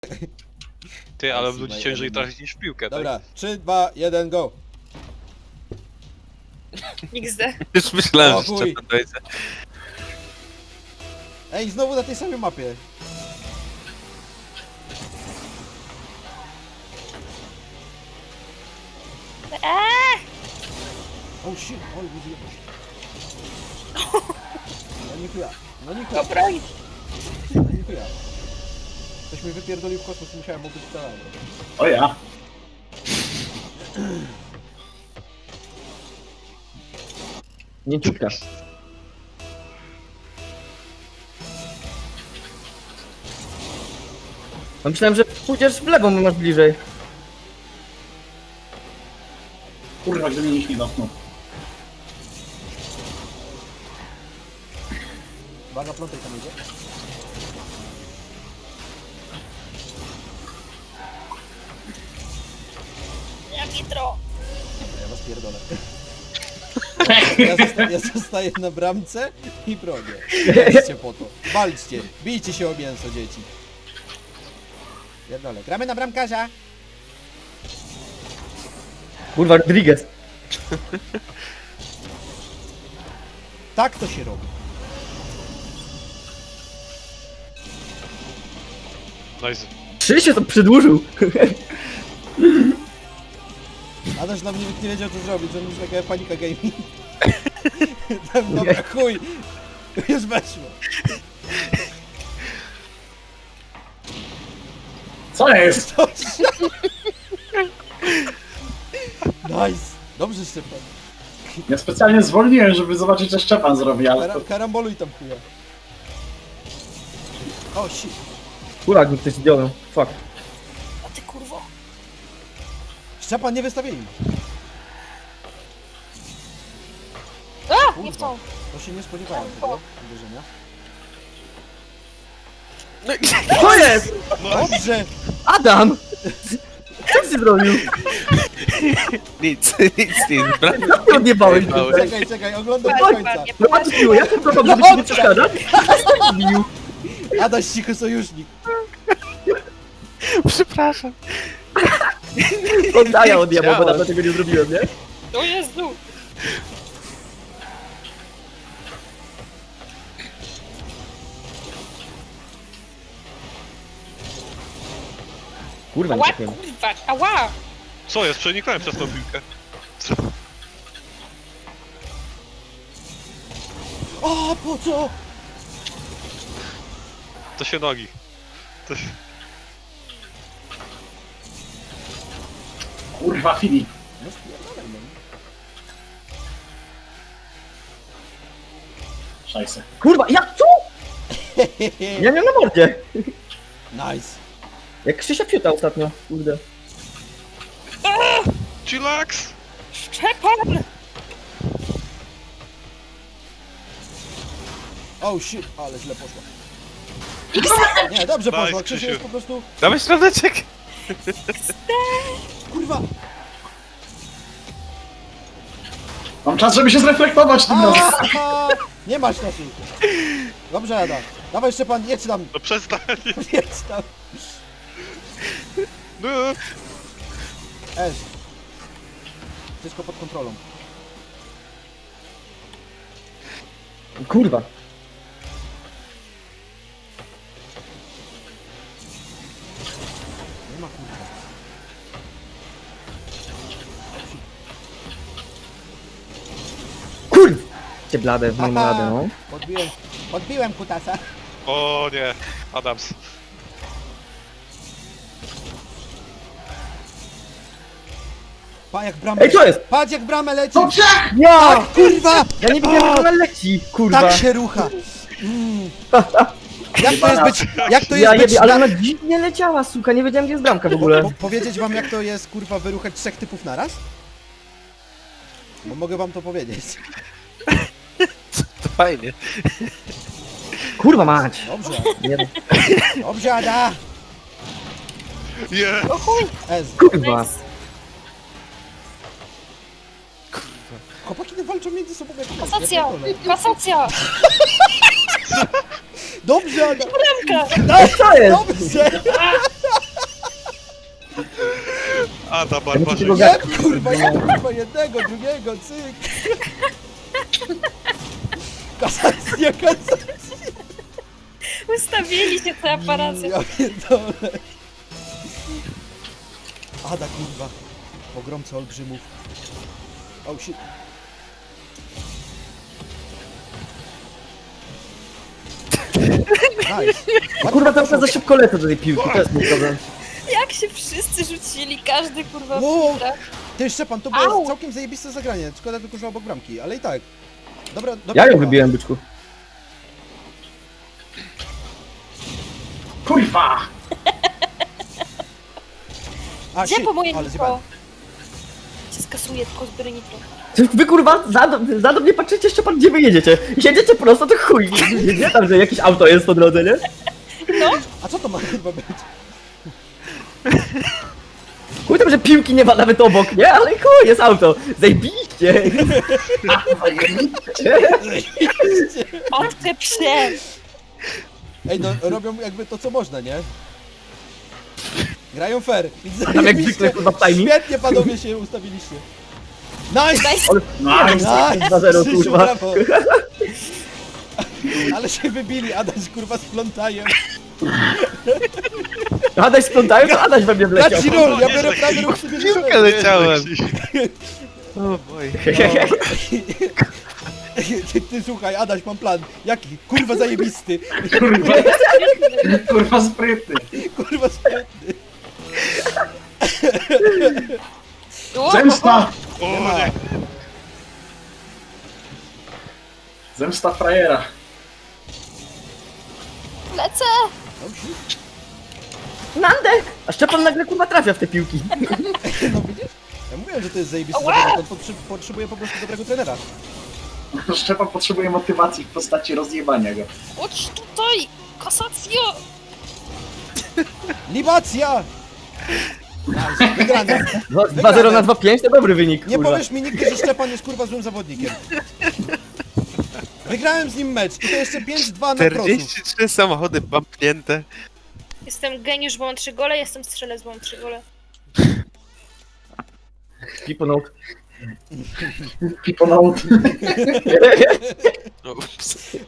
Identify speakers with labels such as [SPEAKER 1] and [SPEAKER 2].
[SPEAKER 1] Ty, ale ludzi ciężej trafić niż w piłkę,
[SPEAKER 2] Dobra, 3, 2, 1, go!
[SPEAKER 3] XD.
[SPEAKER 4] Już myślałem,
[SPEAKER 2] O
[SPEAKER 4] że
[SPEAKER 2] chuj.
[SPEAKER 4] Szczepan dojdzie.
[SPEAKER 2] Ej, znowu na tej samej mapie. Oh shit, oj, nie No nie chuja, no nie chuja,
[SPEAKER 3] Dobra,
[SPEAKER 2] no nie chuja. Ktoś mnie wypierdolił w kosmos, musiałem obyć całego.
[SPEAKER 5] O ja.
[SPEAKER 6] Mięciutka. No myślałem, że pójdziesz w lewo, bo masz bliżej.
[SPEAKER 5] Kurwa, gdy mnie nikt nie dotknął.
[SPEAKER 2] Uwaga, plątaj tam idzie.
[SPEAKER 3] ja nitro.
[SPEAKER 2] Ja was pierdolę. Ja zostaję na bramce i bronię. Walczcie po to. Walczcie. Bijcie się o mięso, dzieci. Pierdolę. Gramy na bramkarza.
[SPEAKER 6] Kurwa, Rodriguez.
[SPEAKER 2] Tak to się robi.
[SPEAKER 1] Nice.
[SPEAKER 6] 3 się to przedłużył.
[SPEAKER 2] Adaś nam nikt nie wiedział co zrobić, on już taka panika gaming. Tam, dobra, chuj. Już weszło.
[SPEAKER 5] Co jest?
[SPEAKER 2] Nice. Dobrze, Szczepan.
[SPEAKER 5] Ja specjalnie zwolniłem, żeby zobaczyć, co Szczepan zrobi, ale to...
[SPEAKER 2] Karamboluj tam chuja. O, shit.
[SPEAKER 6] Kurwa, mi ktoś zdjął. Fuck.
[SPEAKER 3] A ty kurwo.
[SPEAKER 2] Szczepan, nie wystawieni.
[SPEAKER 3] A, nie w tą.
[SPEAKER 2] To się nie spodziewałem tego uderzenia.
[SPEAKER 6] Co jest?
[SPEAKER 2] Dobrze.
[SPEAKER 6] Adam! Co ty zrobił?
[SPEAKER 4] Nic, brak.
[SPEAKER 6] Jak ty odjebałeś
[SPEAKER 4] Odjebałeś.
[SPEAKER 6] tutaj?
[SPEAKER 2] Czekaj, oglądam do końca.
[SPEAKER 3] Nie
[SPEAKER 6] No a ty piło, ja tym kocham, żeby ci nie przeszkadzać. A zbił.
[SPEAKER 2] Adaś, cicho sojusznik.
[SPEAKER 4] Przepraszam.
[SPEAKER 6] Oddaję odjebał, bo
[SPEAKER 4] Chciałem.
[SPEAKER 6] dawno tego nie zrobiłem, nie?
[SPEAKER 3] O Jezu.
[SPEAKER 6] Kurwa, nie
[SPEAKER 3] Ała,
[SPEAKER 6] trafiłem.
[SPEAKER 3] kurwa, ała.
[SPEAKER 1] Co jest? Przeniknąłem przez tą piłkę. Co?
[SPEAKER 2] O, po co?
[SPEAKER 1] To się nogi. To się...
[SPEAKER 5] Kurwa, Filip.
[SPEAKER 2] No spierdolę, no.
[SPEAKER 5] Szajse.
[SPEAKER 6] Kurwa, jak co? Ja miałem na mordzie.
[SPEAKER 2] Nice.
[SPEAKER 6] Jak Krzysia Fiuta ostatnio, kurde.
[SPEAKER 1] Chillax!
[SPEAKER 3] Szczepan.
[SPEAKER 2] Oh shit, ale źle poszło. Nie, dobrze
[SPEAKER 1] Nice,
[SPEAKER 2] poszło. Krzysiu
[SPEAKER 1] Krzysiu.
[SPEAKER 2] jest po prostu...
[SPEAKER 4] Dawaj środeczek.
[SPEAKER 2] Kurwa.
[SPEAKER 5] Mam czas, żeby się zreflektować tym razem.
[SPEAKER 2] Aha! Nie masz czasu. Dobrze, Ada. Dawaj, Szczepan, jedź tam.
[SPEAKER 1] No przestań!
[SPEAKER 2] Jedź tam.
[SPEAKER 1] No.
[SPEAKER 2] Ez. Wszystko pod kontrolą.
[SPEAKER 6] Kurwa.
[SPEAKER 2] Nie ma kurwa.
[SPEAKER 6] Kurwa! Cię blade, w moim
[SPEAKER 2] Aha.
[SPEAKER 6] radę, no.
[SPEAKER 2] Podbiłem kutasa.
[SPEAKER 1] O nie, Adams.
[SPEAKER 2] Pa jak bramę.
[SPEAKER 6] Ej, co jest?
[SPEAKER 2] Patrz jak bramę leci.
[SPEAKER 5] Dobrze!
[SPEAKER 6] Ja!
[SPEAKER 2] Kurwa!
[SPEAKER 6] Ja nie wiedziałem, jak ona leci, kurwa.
[SPEAKER 2] Tak się rucha. Mm. Jak to jest być... Jak to
[SPEAKER 6] Ja
[SPEAKER 2] jest być...
[SPEAKER 6] jebie, ale ona dziwnie leciała, suka, nie wiedziałem, gdzie jest bramka w ogóle.
[SPEAKER 2] Powiedzieć wam jak to jest kurwa wyruchać 3 typów naraz? Bo mogę wam to powiedzieć.
[SPEAKER 4] To fajnie.
[SPEAKER 6] Kurwa mać.
[SPEAKER 2] Dobrze.
[SPEAKER 6] Nie,
[SPEAKER 2] Dobrze, Ada.
[SPEAKER 1] Nie!
[SPEAKER 3] O chuj.
[SPEAKER 2] Ez.
[SPEAKER 6] kurwa.
[SPEAKER 3] Nice.
[SPEAKER 2] Chłopaki nie walczą między sobą jak
[SPEAKER 3] Kasacja. Kasacja.
[SPEAKER 2] Dobrze, Ada.
[SPEAKER 3] Bramka.
[SPEAKER 6] Co jest?
[SPEAKER 2] Dobrze.
[SPEAKER 1] Ada,
[SPEAKER 6] Ja muszę
[SPEAKER 1] barbarzyńca.
[SPEAKER 6] tego
[SPEAKER 2] Nie,
[SPEAKER 6] gada.
[SPEAKER 2] kurwa, ja kurwa jednego, drugiego, cyk. Kasacja, kasacja.
[SPEAKER 3] Ustawili się te aparacje.
[SPEAKER 2] Ja pierdolę. Ada, kurwa. Pogromca olbrzymów. Oh shit. Nice.
[SPEAKER 6] Kurwa, tam za szybko lecę do tej piłki, to jest mój problem.
[SPEAKER 3] Jak się wszyscy rzucili, każdy kurwa
[SPEAKER 2] Wow.
[SPEAKER 3] w tirach.
[SPEAKER 2] Ty, Szczepan, to
[SPEAKER 3] Au.
[SPEAKER 2] było całkiem zajebiste zagranie. Szkoda tylko, że obok bramki, ale i tak. Dobra.
[SPEAKER 6] Ja ją wybiłem, byczku.
[SPEAKER 5] Kurwa!
[SPEAKER 2] A,
[SPEAKER 3] Gdzie
[SPEAKER 2] shit,
[SPEAKER 3] po moje
[SPEAKER 2] ale
[SPEAKER 3] nitro?
[SPEAKER 2] zjebałem.
[SPEAKER 3] Cię skasuję, tylko zbiorę nitro.
[SPEAKER 6] Wy kurwa, za mnie patrzycie, Szczepan, gdzie wy jedziecie? Jedziecie prosto, to chuj. Nie tam, że jakieś auto jest po drodze, nie?
[SPEAKER 2] A co to ma chyba być?
[SPEAKER 6] Chuj tam, że piłki nie ma nawet obok, nie? Ale chuj, jest auto. Zajebiście.
[SPEAKER 3] Odczep się!
[SPEAKER 2] Ej, no robią jakby to, co można, nie? Grają fair.
[SPEAKER 6] Tam jak zwykle, kurwa, w timing.
[SPEAKER 2] Świetnie panowie się ustawiliście. Nice!
[SPEAKER 5] Nice!
[SPEAKER 2] Nice!
[SPEAKER 6] 2-0,
[SPEAKER 2] Krzysiu,
[SPEAKER 6] kurwa.
[SPEAKER 2] brawo. Ale się wybili, Adaś kurwa z plątajem.
[SPEAKER 6] Adaś splątają, to Adaś we mnie wleciał.
[SPEAKER 2] Dać ci rol, ja biorę prawy ruch sobie
[SPEAKER 4] Piłkę leciałem.
[SPEAKER 1] O boj.
[SPEAKER 2] Ty słuchaj, Adaś, mam plan. Jaki? Kurwa zajebisty.
[SPEAKER 5] Kurwa, kurwa sprytny.
[SPEAKER 2] Kurwa sprytny.
[SPEAKER 5] Zemsta!
[SPEAKER 1] O
[SPEAKER 2] Nie ma.
[SPEAKER 1] nie.
[SPEAKER 5] Zemsta frajera.
[SPEAKER 3] Lecę!
[SPEAKER 6] Nandę! A Szczepan nagle kurwa trafia w te piłki.
[SPEAKER 2] No widzisz? Ja mówiłem, że to jest zajebisty
[SPEAKER 3] Ała!
[SPEAKER 2] zawodnik, on potrzebuje po prostu dobrego trenera.
[SPEAKER 5] Szczepan potrzebuje motywacji w postaci rozjebania go.
[SPEAKER 3] Chodź tutaj! Kasacjo!
[SPEAKER 2] Libacja! Nice, wygrane.
[SPEAKER 6] 2-0 na 2-5 to dobry wynik,
[SPEAKER 2] Nie
[SPEAKER 6] kurwa.
[SPEAKER 2] powiesz mi nigdy, że Szczepan jest kurwa złym zawodnikiem. Wygrałem z nim mecz i to jeszcze 5-2 na prosu.
[SPEAKER 4] 43 samochody bumpnięte.
[SPEAKER 3] Jestem geniusz, bo mam 3 gole, jestem strzelec, bo mam 3 gole.
[SPEAKER 6] Piponout.
[SPEAKER 5] Piponout.
[SPEAKER 4] No, ups.